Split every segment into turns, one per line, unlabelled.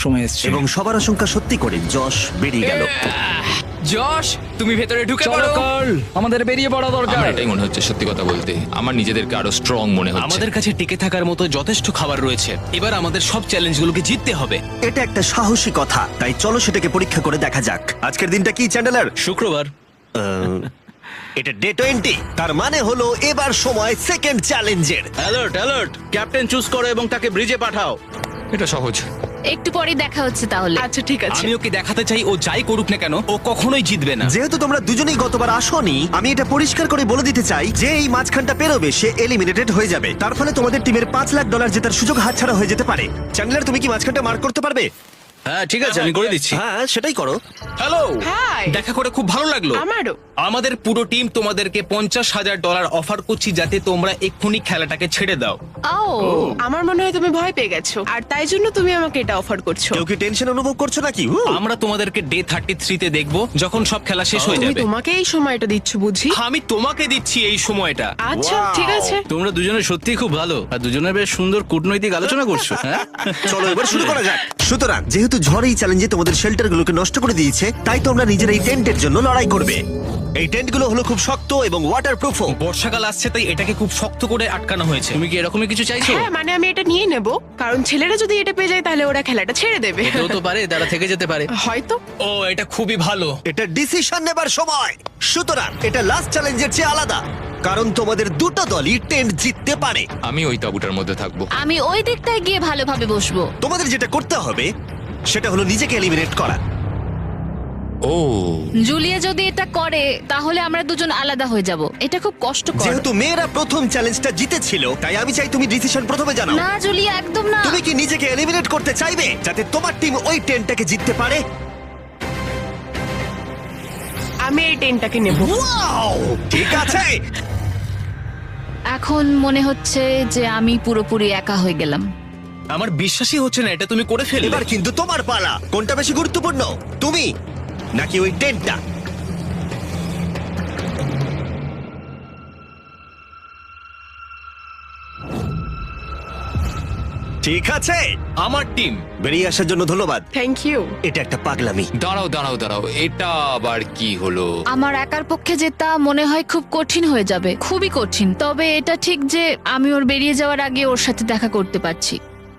সময় এসছে।
এবং সবার আশঙ্কা সত্যি করে যশ বেরিয়ে গেল।
যশ, তুমি ভেতরে ঢুকে
চলো
পড়ো।
কার্ল, আমাদের বেরিয়ে পড়া দরকার।
আমার এটাই মনে হচ্ছে, সত্যি কথা বলতে আমার নিজেদেরকে আরো স্ট্রং মনে হচ্ছে।
আমাদের কাছে টিকে থাকার মতো যথেষ্ট খাবার রয়েছে। এবার আমাদের সব চ্যালেঞ্জগুলোকে জিততে হবে।
এটা একটা সাহসী কথা, তাই চলো সেটাকে পরীক্ষা করে দেখা যাক। আজকের দিনটা কি চ্যান্ডেলার?
শুক্রবার।
এটা ডে 20, তার মানে হলো এবার সময় সেকেন্ড চ্যালেঞ্জের।
অ্যালার্ট অ্যালার্ট, ক্যাপ্টেন চুজ করো এবং তাকে ব্রিজে পাঠাও।
এটা সহজ।
একটু পরে দেখা হচ্ছে তাহলে।
আচ্ছা ঠিক আছে।
আমি ওকে দেখাতে চাই ও যাই করুক না কেন ও কখনোই জিতবে না।
যেহেতু তোমরা দুজনেই গতবার আসোনি, আমি এটা পরিষ্কার করে বলে দিতে চাই যে এই মাঝখানটা পেরোবে সে এলিমিনেটেড হয়ে যাবে। তার ফলে তোমাদের টিমের $5,00,000 জেতার সুযোগ হাতছাড়া হয়ে যেতে পারে। চ্যান্ডেলার, তুমি কি মাঝখানটা মার্ক করতে পারবে?
হ্যাঁ ঠিক আছে, আমি করে দিচ্ছি।
হ্যাঁ, সেটাই করো।
Hello,
hi.
দেখা করে খুব ভালো লাগলো।
আমারও।
আমাদের পুরো টিম তোমাদেরকে $50,000 অফার করছি যাতে তোমরা এক্ষুনি খেলাটাকে ছেড়ে দাও।
ও
আমার মনে হয় তুমি ভয় পেয়ে গেছো আর তাই জন্য তুমি আমাকে এটা অফার করছো।
কেউ কি টেনশন অনুভব করছো নাকি?
আমরা তোমাদেরকে ডে 33-তে দেখবো যখন সব খেলা শেষ হয়ে
তুমি
যাবে।
তোমাকে এই সময়টা দিচ্ছ বুঝি?
আমি তোমাকে দিচ্ছি এই সময়টা।
আচ্ছা ঠিক আছে।
তোমরা দুজনে সত্যি খুব ভালো, আর দুজনে বেশ সুন্দর কূটনৈতিক আলোচনা করছো। হ্যাঁ
চলো এবার শুরু করা যাক। সুতরাং যেহেতু ঝড় এই চ্যালেঞ্জে তোমাদের শেল্টারগুলোকে নষ্ট করে দিয়েছে, তাই তোমরা নিজের এই টেন্টের জন্য লড়াই করবে। এই টেন্টগুলো হলো খুব শক্ত এবং ওয়াটারপ্রুফও।
বর্ষাকাল আসছে তাই এটাকে খুব শক্ত করে আটকানো হয়েছে।
তুমি কি এরকমই কিছু চাইছো?
হ্যাঁ মানে আমি এটা নিয়ে নেব, কারণ ছেলেরা যদি এটা পেয়ে যায় তাহলে ওরা খেলাটা ছেড়ে দেবে।
কেউ তো পারে, তারা থেকে যেতে পারে।
হয়তো।
ও, এটা খুবই ভালো।
এটা ডিসিশন নেবার সময়। সুতরাং এটা লাস্ট চ্যালেঞ্জের চেয়ে আলাদা, কারণ তোমাদের দুটো দলই টেন্ট জিততে পারে।
আমি ওই তাঁবুটার মধ্যে থাকবো।
আমি ওই দিকটায় গিয়ে ভালোভাবে বসবো।
তোমাদের যেটা করতে হবে সেটা হলো নিজেকে এলিমিনেট করা।
ও,
জুলিয়া যদি এটা করে তাহলে আমরা দুজন আলাদা হয়ে যাব। এটা খুব কষ্টকর।
যেহেতু মেয়েরা প্রথম চ্যালেঞ্জটা জিতেছিল, তাই আমি চাই তুমি ডিসিশন প্রথমে জানাও।
না জুলিয়া, একদম না।
তুমি কি নিজেকে এলিমিনেট করতে চাইবে যাতে তোমার টিম ওই টেন্টটাকে জিততে পারে?
আমি এই টেনটাকে নেব।
ওয়াও, ঠিক আছে।
এখন মনে হচ্ছে যে আমি পুরোপুরি একা হয়ে গেলাম।
আমার বিশ্বাসই হচ্ছে না এটা তুমি করে ফেললে।
এবার কিন্তু তোমার পালা। কোনটা বেশি গুরুত্বপূর্ণ, তুমি নাকি ওই টেন্টটা? ঠিক আছে,
আমার টিম।
বেরিয়ে আসার জন্য ধন্যবাদ।
Thank you.
এটা একটা পাগলামি।
দাঁড়াও দাঁড়াও দাঁড়াও, এটা আবার কি হলো?
আমার একার পক্ষে জেতা মনে হয় খুব কঠিন হয়ে যাবে, খুবই কঠিন। তবে এটা ঠিক যে আমি ওর বেরিয়ে যাওয়ার আগে ওর সাথে দেখা করতে পারছি।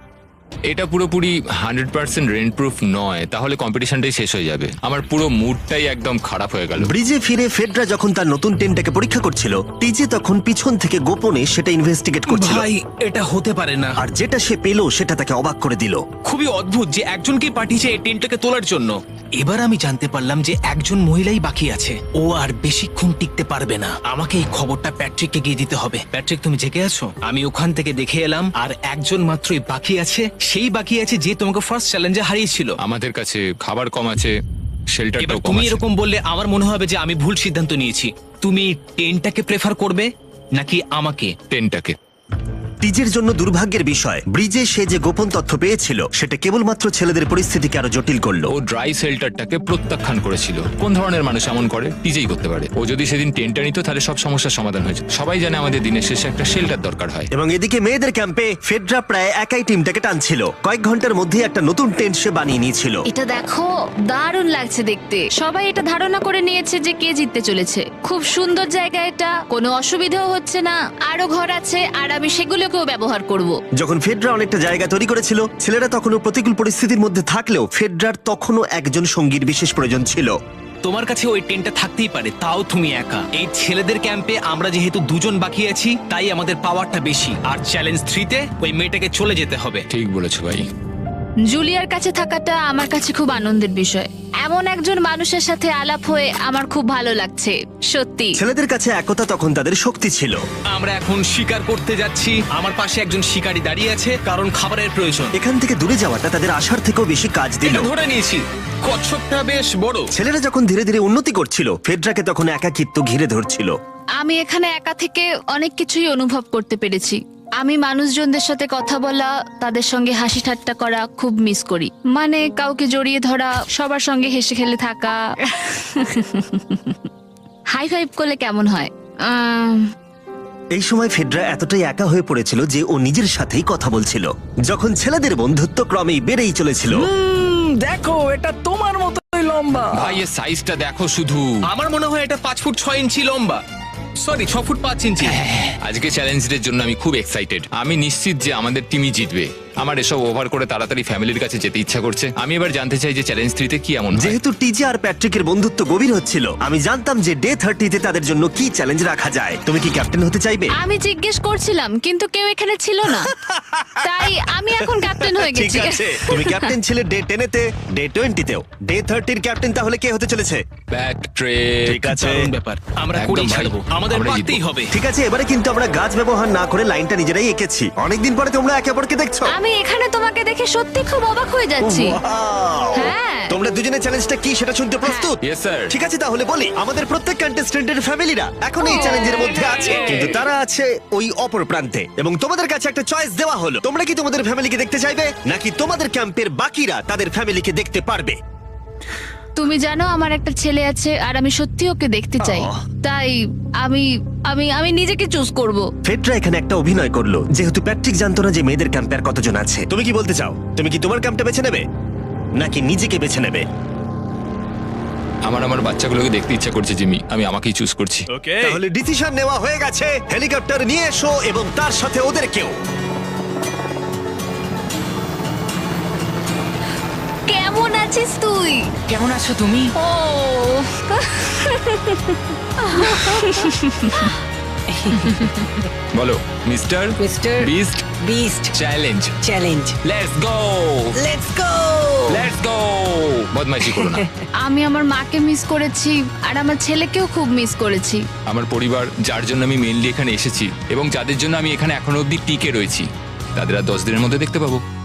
এটা পুরোপুরি 100% রেন্ট প্রুফ নয়, তাহলে কম্পিটিশনটাই শেষ হয়ে যাবে। আমার পুরো মুডটাই একদম খারাপ হয়ে গেল।
ব্রিজে ফিরে ফেডরা যখন তার নতুন টেন্টটাকে পরীক্ষা করছিল, টিজে তখন পিছন থেকে গোপনে সেটা ইনভেস্টিগেট করছিল।
ভাই, এটা হতে পারে না।
আর যেটা সে পেল সেটা তাকে অবাক করে দিল।
খুবই অদ্ভুত যে একজনকেই পাঠিয়েছে এই টেন্টটাকে তোলার জন্য। এবার আমি জানতে পারলাম যে একজন মহিলাই বাকি আছে। ও আর বেশিক্ষণ টিকতে পারবে না। আমাকে এই খবরটা প্যাট্রিককে গিয়ে দিতে হবে। প্যাট্রিক, তুমি জেগে আছো? আমি ওখান থেকে দেখে এলাম আর একজন মাত্রই বাকি আছে। সেই বাকি আছে যে তোমাকে ফার্স্ট চ্যালেঞ্জে হারিয়েছিল।
আমাদের কাছে খাবার কম আছে,
এবার
শেল্টারটাও কম
তুমি
আছে।
এরকম বললে আমার মনে হবে যে আমি ভুল সিদ্ধান্ত নিয়েছি। তুমি টেন্টটাকে প্রেফার করবে নাকি আমাকে?
টেনটাকে।
টিজের জন্য দুর্ভাগ্যের বিষয়, ব্রিজে সে যে গোপন তথ্য পেয়েছিল সেটা কেবলমাত্র ছেলেদের পরিস্থিতিকে আরো জটিল করলো।
ও ড্রাই শেল্টারটাকে প্রত্যাখ্যান করেছিল। কোন ধরনের মানুষ এমন করে? টিজেই করতে পারে। ও যদি সেদিন টেন্টটা নিত তাহলে সব সমস্যার সমাধান হয়েছে। সবাই জানে আমাদের দিনের শেষে একটা শেল্টার দরকার হয়।
এবং এদিকে মেয়েদের ক্যাম্পে ফেডরা প্রায় একাই টিমটাকে টানছিল। কয়েক ঘন্টার মধ্যে একটা নতুন টেন্ট সে বানিয়ে নিয়েছিল।
এটা দেখো, দারুণ লাগছে দেখতে। সবাই এটা ধারণা করে নিয়েছে যে কে জিততে চলেছে। খুব সুন্দর জায়গা এটা, কোনো অসুবিধাও হচ্ছে না। আরো ঘর আছে আর আমি সেগুলোকেও ব্যবহার করব।
যখন ফেডরা অনেকটা জায়গা তৈরি করেছিল, ছেলেরা তখনও প্রতিকূল পরিস্থিতির মধ্যে থাকলেও ফেডরার তখনও একজন সঙ্গীর বিশেষ প্রয়োজন ছিল।
তোমার কাছে ওই টেন্টটা থাকতেই পারে, তাও তুমি একা। এই ছেলেদের ক্যাম্পে আমরা যেহেতু দুজন বাকি আছি, তাই আমাদের পাওয়ারটা বেশি। আর চ্যালেঞ্জ 3-তে ওই মেয়েটাকে চলে যেতে হবে।
ঠিক বলেছো ভাই।
জুলিয়ার কাছে থাকাটা আমার কাছে খুব আনন্দের বিষয়। এমন একজন মানুষের সাথে আলাপ হয়ে আমার খুব ভালো লাগছে, সত্যি।
ছেলেদের কাছে একতা তখন তাদের শক্তি ছিল।
আমরা এখন শিকার করতে যাচ্ছি। আমার পাশে একজন শিকারী দাঁড়িয়ে আছে, কারণ খাবারের প্রয়োজন।
এখান থেকে দূরে যাওয়াটা তাদের আশার থেকেও বেশি কাজ দিল।
এটা ধরে নিয়েছি। কচ্ছপটা বেশ বড়।
ছেলেরা যখন ধীরে ধীরে উন্নতি করছিল, ফেডরাকে তখন একাকিত্ব ঘিরে ধরছিল।
আমি এখানে একা থেকে অনেক কিছুই অনুভব করতে পেরেছি। আমি মানুষজনদের সাথে কথা বলা, তাদের সঙ্গে হাসি ঠাট্টা করা খুব মিস করি। মানে কাউকে জড়িয়ে ধরা, সবার সঙ্গে হেসে খেলে থাকা। হাই ফাইভ করলে কেমন হয়?
এই সময় ফেডরা এতটাই একা হয়ে পড়েছিল যে ও নিজের সাথেই কথা বলছিল, যখন ছেলেদের বন্ধুত্ব ক্রমেই বেড়েই চলেছিল।
দেখো এটা তোমার মতোই লম্বা।
ভাই এর সাইজটা দেখো শুধু।
আমার মনে হয় এটা 5 ফুট 6 ইঞ্চি লম্বা, সরি 6 ফুট 5 ইঞ্চি।
আজকে চ্যালেঞ্জের জন্য আমি খুব এক্সাইটেড। আমি নিশ্চিত যে আমাদের টিমই জিতবে। আমার এসব ওভার করে তাড়াতাড়ি ফ্যামিলির কাছে যেতে ইচ্ছা করছে। আমি এবার জানতে চাই যে চ্যালেঞ্জ 3 তে কি এমন হয়।
যেহেতু টিজে আর প্যাট্রিকের বন্ধুত্ব গভীর হচ্ছিল, আমি জানতাম যে ডে 30 তে তাদের জন্য কি চ্যালেঞ্জ রাখা যায়। তুমি কি ক্যাপ্টেন হতে চাইবে?
আমি জিজ্ঞেস করছিলাম কিন্তু কেউ এখানে ছিল না, তাই আমি এখন ক্যাপ্টেন হয়ে
ঠিক
গেছি।
আছে, তুমি ক্যাপ্টেন ছিলে ডে 10 তে, ডে 20 তেও। ডে 30 এর ক্যাপ্টেন তাহলে কে হতে চলেছে?
প্যাট্রিক।
ঠিক আছে,
দারুণ ব্যাপার, আমরা
একদম
করেই
ভাই,
ছাড়বো, আমাদের
আমরা
পারতেই
জিতবো।
হবে।
ঠিক আছে, এবারে কিন্তু আমরা গাছ ব্যবহার না করে লাইনটা নিজেরাই এঁকেছি। অনেকদিন পরে তোমরা একে অপরকে দেখছো।
আমি এখানে তোমাকে দেখে সত্যি খুব অবাক হয়ে যাচ্ছি।
Wow!
হ্যাঁ।
তোমরা দুজনে চ্যালেঞ্জটা কি সেটা শুনতে প্রস্তুত?
Yes, sir.
ঠিক আছে, তাহলে বলি আমাদের প্রত্যেক কন্টেস্টেন্টের ফ্যামিলিরা এখন এই চ্যালেঞ্জের মধ্যে আছে, কিন্তু তারা আছে ওই অপর প্রান্তে, এবং তোমাদের কাছে একটা চয়েস দেওয়া হলো। তোমরা কি তোমাদের ফ্যামিলিকে দেখতে চাইবে, নাকি তোমাদের ক্যাম্পের বাকিরা তাদের ফ্যামিলিকে দেখতে পারবে?
তুমি জানো আমার একটা ছেলে আছে আর আমি সত্যি ওকে দেখতে চাই, তাই আমি আমি আমি নিজেকে চুজ করব।
ফেডরা এখানে একটা অভিনয় করলো, যেহেতু প্যাট্রিক জানতো না যে মেয়েদের ক্যাম্পে আর কতজন আছে। তুমি কি বলতে চাও? তুমি কি তোমার ক্যাম্পটা বেছে নেবে, নাকি নিজেকে বেছে নেবে?
আমার বাচ্চাগুলোকে দেখতে ইচ্ছা করছে জিমি। আমি আমাকেই চুজ করছি।
তাহলে ডিসিশন নেওয়া হয়ে গেছে। হেলিকপ্টার নিয়ে এসো এবং তার সাথে ওদেরকেও।
কেমন আছিস তুই?
কেমন আছো তুমি?
ও
বলো mister
mister
beast
beast
challenge.
Challenge
let's go,
let's go
let's go. বদমাইশি করো না।
আমি আমার মাকে মিস করেছি আর আমার ছেলেকেও খুব মিস করেছি।
আমার পরিবার, যার জন্য আমি মেইনলি এখানে এসেছি এবং যাদের জন্য আমি এখানে এখনো অবধি টিকে রয়েছি, তাদের আর 10 দিনের মধ্যে দেখতে পাবো।